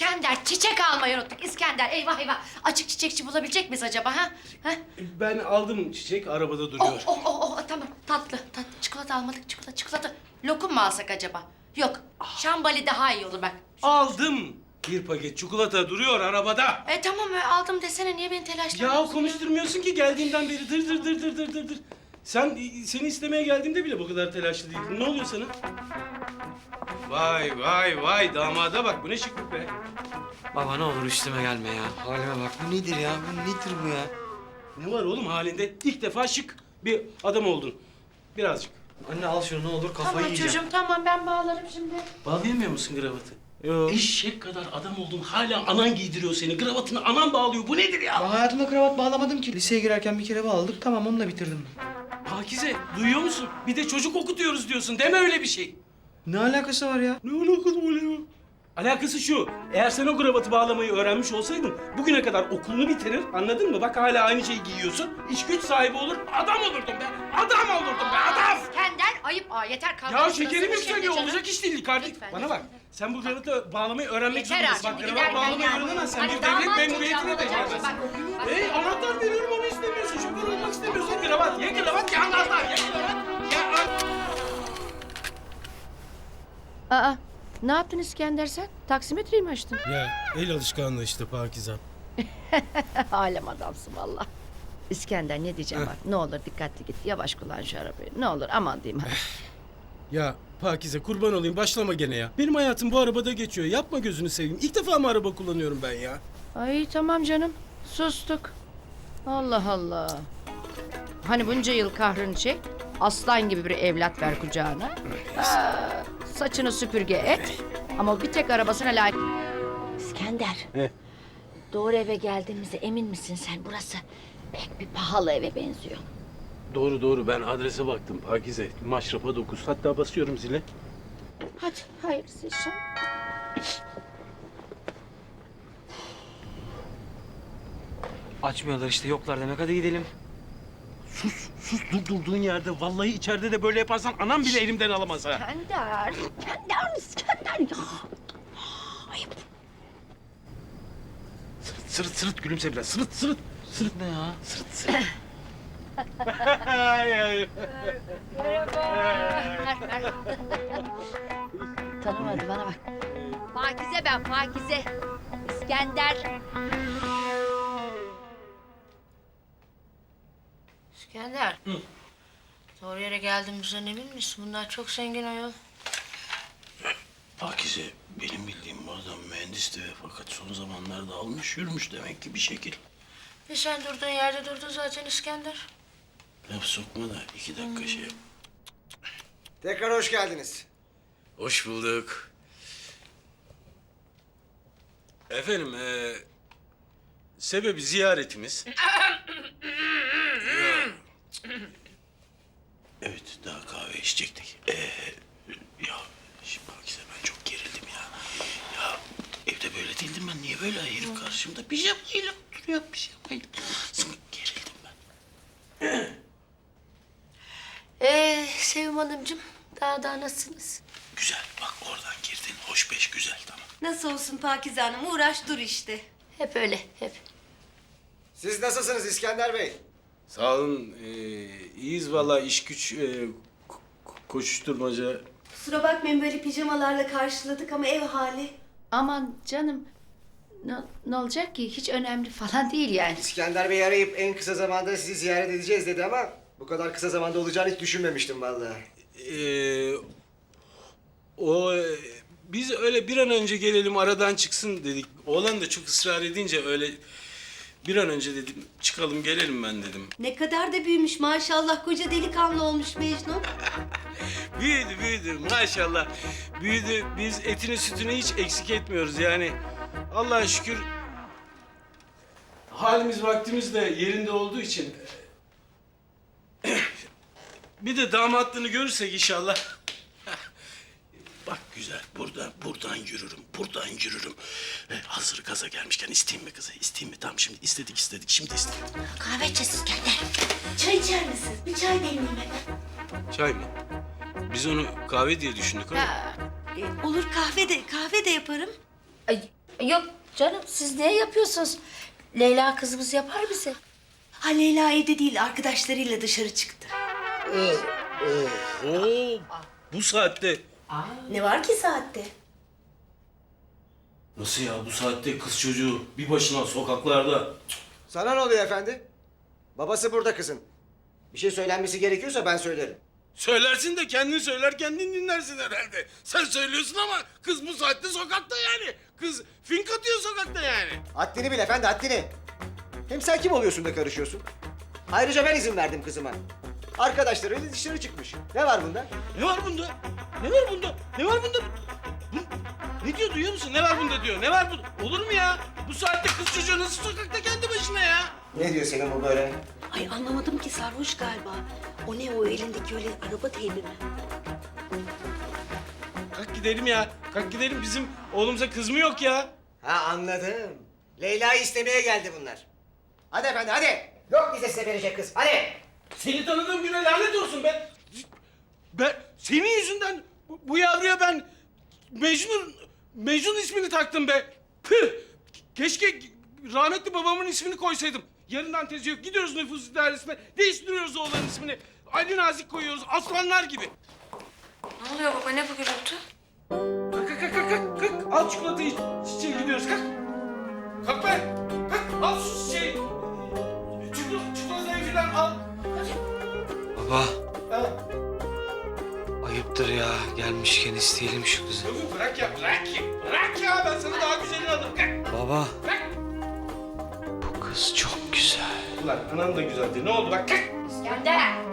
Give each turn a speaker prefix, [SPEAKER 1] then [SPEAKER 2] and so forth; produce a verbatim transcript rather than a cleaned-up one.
[SPEAKER 1] İskender, çiçek almayı unuttuk. İskender, eyvah eyvah. Açık çiçekçi bulabilecek miyiz acaba ha? ha?
[SPEAKER 2] Ben aldım çiçek, arabada
[SPEAKER 1] Oh,
[SPEAKER 2] duruyor.
[SPEAKER 1] oh, oh, oh, tamam. Tatlı, tatlı. Çikolata almadık, çikolata, çikolata. Lokum mu alsak acaba? Yok, şambali daha iyi olur bak.
[SPEAKER 2] Aldım. Bir paket çikolata duruyor arabada.
[SPEAKER 1] E tamam, e, aldım desene. Niye beni
[SPEAKER 2] Ya
[SPEAKER 1] telaşlandırıyorsun?
[SPEAKER 2] konuşturmuyorsun ki geldiğinden beri dır dır dır dır dır dır dır. Sen seni istemeye geldiğimde bile bu kadar telaşlı değildin. Ne oluyor sana? Vay vay vay damada bak, bu ne şıklık be.
[SPEAKER 3] Baba ne olur üstüme gelme ya. Halime bak. Bu nedir ya? Bu nedir bu ya?
[SPEAKER 2] Ne var oğlum halinde? İlk defa şık bir adam oldun. Birazcık.
[SPEAKER 3] Anne al şunu ne olur kafayı
[SPEAKER 1] Tamam
[SPEAKER 3] yiyeceğim.
[SPEAKER 1] çocuğum, tamam ben bağlarım şimdi.
[SPEAKER 2] Bağlayamıyor musun kravatı?
[SPEAKER 3] Yok.
[SPEAKER 2] Eşek kadar adam oldun, hala anan giydiriyor seni. Kravatını anan bağlıyor. Bu nedir ya?
[SPEAKER 3] Ben hayatımda kravat bağlamadım ki. Liseye girerken bir kere bağladık. Tamam onunla bitirdim.
[SPEAKER 2] Pakize, duyuyor musun? Bir de çocuk okutuyoruz diyorsun. Deme öyle bir şey.
[SPEAKER 3] Ne alakası var ya?
[SPEAKER 2] Ne alakası oluyor? Alakası şu, eğer sen o kravatı bağlamayı öğrenmiş olsaydın bugüne kadar okulunu bitirir, anladın mı? Bak hala aynı şeyi giyiyorsun, iş güç sahibi olur, adam olurdun be! Adam olurdun be, adam!
[SPEAKER 1] İskender, ayıp. Aa, yeter kalk.
[SPEAKER 2] Ya
[SPEAKER 1] Burası
[SPEAKER 2] şekerim
[SPEAKER 1] şimdi
[SPEAKER 2] yükseliyor,
[SPEAKER 1] canım.
[SPEAKER 2] olacak iş değil kardeşim.
[SPEAKER 1] Lütfen,
[SPEAKER 2] Bana bak,
[SPEAKER 1] lütfen.
[SPEAKER 2] sen bu kravatı bağlamayı öğrenmek
[SPEAKER 1] Yeter
[SPEAKER 2] zorundasın.
[SPEAKER 1] artık,
[SPEAKER 2] Bak,
[SPEAKER 1] şimdi
[SPEAKER 2] kravat
[SPEAKER 1] giderken
[SPEAKER 2] bağlamayı
[SPEAKER 1] yani.
[SPEAKER 2] öğrenemezsen
[SPEAKER 1] Hadi
[SPEAKER 2] bir
[SPEAKER 1] damat
[SPEAKER 2] devlet memuriyetine de
[SPEAKER 1] olacak.
[SPEAKER 2] gelmezsin.
[SPEAKER 1] Bak, bak.
[SPEAKER 2] Hey, anahtar veriyorum, onu istemiyorsun. Şoför olmak istemiyorsun, kravat. Ya kravat, ya anahtar, ya kravat. Ya an-
[SPEAKER 1] Aa, ne yaptın İskender sen? Taksimetreyi mi açtın?
[SPEAKER 2] Ya el alışkanlığı işte Pakize.
[SPEAKER 1] Alem adamsın valla. İskender ne diyeceğim bak. Ne olur dikkatli git. Yavaş kullan şu arabayı. Ne olur aman diyeyim. ha.
[SPEAKER 2] Ya Pakize, kurban olayım, başlama gene ya. Benim hayatım bu arabada geçiyor. Yapma gözünü seveyim. İlk defa mı araba kullanıyorum ben ya?
[SPEAKER 1] Ay tamam canım. Sustuk. Allah Allah. Hani bunca yıl kahrını çek. Aslan gibi bir evlat ver kucağına. Aa, saçını süpürge et. Ama bir tek arabasına layık. İskender.
[SPEAKER 2] He.
[SPEAKER 1] Doğru eve geldiğimize emin misin sen? Burası pek bir pahalı eve benziyor.
[SPEAKER 2] Doğru doğru, ben adrese baktım Pakize. Maşrafa dokuz. Hatta basıyorum zile.
[SPEAKER 1] Hadi hayırlısı inşallah.
[SPEAKER 3] Açmıyorlar işte yoklar demek. Hadi gidelim.
[SPEAKER 2] Sus sus, dur durduğun yerde. Vallahi içeride de böyle yaparsan anam bile elimden alamaz ha.
[SPEAKER 1] İskender. İskender. İskender ya. Ayıp.
[SPEAKER 2] Sırıt sırıt sırıt, gülümse biraz. Sırıt sırıt.
[SPEAKER 3] Sırıt ne ya?
[SPEAKER 2] Sırıt sırıt. Ay, ay.
[SPEAKER 1] Tanımadı bana bak. Pakize ben Pakize. İskender. İskender.
[SPEAKER 2] Hı.
[SPEAKER 1] Doğru yere geldiğimizden emin misin? Bunlar çok zengin ayol.
[SPEAKER 2] Pakize, benim bildiğim bu adam mühendisti ve fakat son zamanlarda almış yürümüş demek ki bir şekil.
[SPEAKER 1] E sen durduğun yerde durdun zaten İskender.
[SPEAKER 2] Laf sokma da iki dakika şey yap.
[SPEAKER 4] Tekrar hoş geldiniz.
[SPEAKER 2] Hoş bulduk. Efendim, eee sebebi ziyaretimiz. Ya. Evet, daha kahve içecektik. Ee, ya şimdi Pakize, ben çok gerildim ya. Ya evde böyle değildim ben. Niye böyle herif karşımda pijamayla oturuyor, pijamayla. Gerildim ben.
[SPEAKER 1] Ee, Sevim Hanımcığım, daha daha nasılsınız?
[SPEAKER 2] Güzel, bak oradan girdin. Hoş beş, güzel, tamam.
[SPEAKER 5] Nasıl olsun Pakize Hanım, uğraş dur işte.
[SPEAKER 1] Hep öyle, hep.
[SPEAKER 4] Siz nasılsınız İskender Bey?
[SPEAKER 2] Sağ olun, ee, iyiyiz vallahi, iş güç, ee, ko- ko- koşuşturmaca.
[SPEAKER 5] Kusura bakmayın böyle pijamalarla karşıladık ama ev hali.
[SPEAKER 1] Aman canım, ne, ne olacak ki? Hiç önemli falan değil yani.
[SPEAKER 4] İskender Bey arayıp en kısa zamanda sizi ziyaret edeceğiz dedi ama bu kadar kısa zamanda olacağını hiç düşünmemiştim vallahi.
[SPEAKER 2] Ee, o ee, biz öyle bir an önce gelelim, aradan çıksın dedik. Oğlan da çok ısrar edince öyle bir an önce dedim, çıkalım gelelim ben dedim.
[SPEAKER 5] Ne kadar da büyümüş maşallah, koca delikanlı olmuş Mecnun.
[SPEAKER 2] Büyüdü büyüdü maşallah. Büyüdü, biz etini sütünü hiç eksik etmiyoruz yani. Allah'a şükür halimiz vaktimiz de yerinde olduğu için. Bir de damatlığını görürsek inşallah. Bak güzel, buradan buradan yürürüm, buradan yürürüm. Ee, hazır gaza gelmişken isteyeyim mi kızı, isteyeyim mi? Tamam, şimdi istedik istedik, şimdi istedim.
[SPEAKER 1] Kahve içeceğiz İskender.
[SPEAKER 5] Çay içer misiniz? Bir çay demleyeyim hemen.
[SPEAKER 2] Çay mı? Biz onu kahve diye düşündük ama.
[SPEAKER 1] Ha,
[SPEAKER 5] E, olur kahve de, kahve de yaparım.
[SPEAKER 1] ay,
[SPEAKER 6] Yok canım siz niye yapıyorsunuz? Leyla kızımız yapar bize.
[SPEAKER 5] Ha Leyla evde değil, arkadaşlarıyla dışarı çıktı.
[SPEAKER 2] Oo, bu saatte.
[SPEAKER 5] Ne var ki saatte?
[SPEAKER 2] Nasıl ya bu saatte kız çocuğu bir başına sokaklarda?
[SPEAKER 4] Sana ne oluyor efendi? Babası burada kızın. Bir şey söylenmesi gerekiyorsa ben söylerim.
[SPEAKER 2] Söylersin de kendin söyler kendin dinlersin herhalde. Sen söylüyorsun ama kız bu saatte sokakta yani. Kız fink atıyor sokakta yani.
[SPEAKER 4] Haddini bil efendi, haddini. Hem sen kim oluyorsun da karışıyorsun? Ayrıca ben izin verdim kızıma. Arkadaşlarıyla dışarı çıkmış. Ne var bunda?
[SPEAKER 2] Ne var bunda? Ne var bunda? Ne var bunda? Bu- Ne diyor duyuyor musun? Ne var bunda diyor. Ne var bu? Olur mu ya? Bu saatte kız çocuğu nasıl sokakta kendi başına ya?
[SPEAKER 4] Ne diyor senin bu böyle?
[SPEAKER 5] Ay anlamadım ki, sarhoş galiba. O ne o elindeki öyle araba teybi mi?
[SPEAKER 2] Kalk gidelim ya. Kalk gidelim. Bizim oğlumuza kız mı yok ya?
[SPEAKER 4] Ha anladım. Leyla'yı istemeye geldi bunlar. Hadi efendi hadi. Yok bize size verecek kız. Hadi.
[SPEAKER 2] Seni tanıdığım güne lanet olsun ben. Ben senin yüzünden bu, bu yavruya ben Mecnun Mecnun ismini taktım be. Püh! Keşke rahmetli babamın ismini koysaydım. Yarından tezi yok. Gidiyoruz nüfus idaresine. Değiştiriyoruz oğlanın ismini. Ali Nazik koyuyoruz. Aslanlar gibi.
[SPEAKER 6] Ne oluyor baba ne bu gürültü?
[SPEAKER 2] Kalk kalk kalk kalk. kalk. Al çikolatayı çiçeğe gidiyoruz. Kalk. Kalk be. Kalk. Al şu çiçeği. Çikolata, çikolatayı falan al.
[SPEAKER 3] Baba
[SPEAKER 2] Ha.
[SPEAKER 3] ayıptır ya. Gelmişken isteyelim şu kızı.
[SPEAKER 2] Tabii bırak ya, bırak ya. Bırak ya, ben sana daha güzelini alırım. Kalk,
[SPEAKER 3] Baba
[SPEAKER 2] kalk.
[SPEAKER 3] bu kız çok güzel.
[SPEAKER 2] Ulan anam da güzeldi. Ne oldu bak kalk.
[SPEAKER 6] İskender.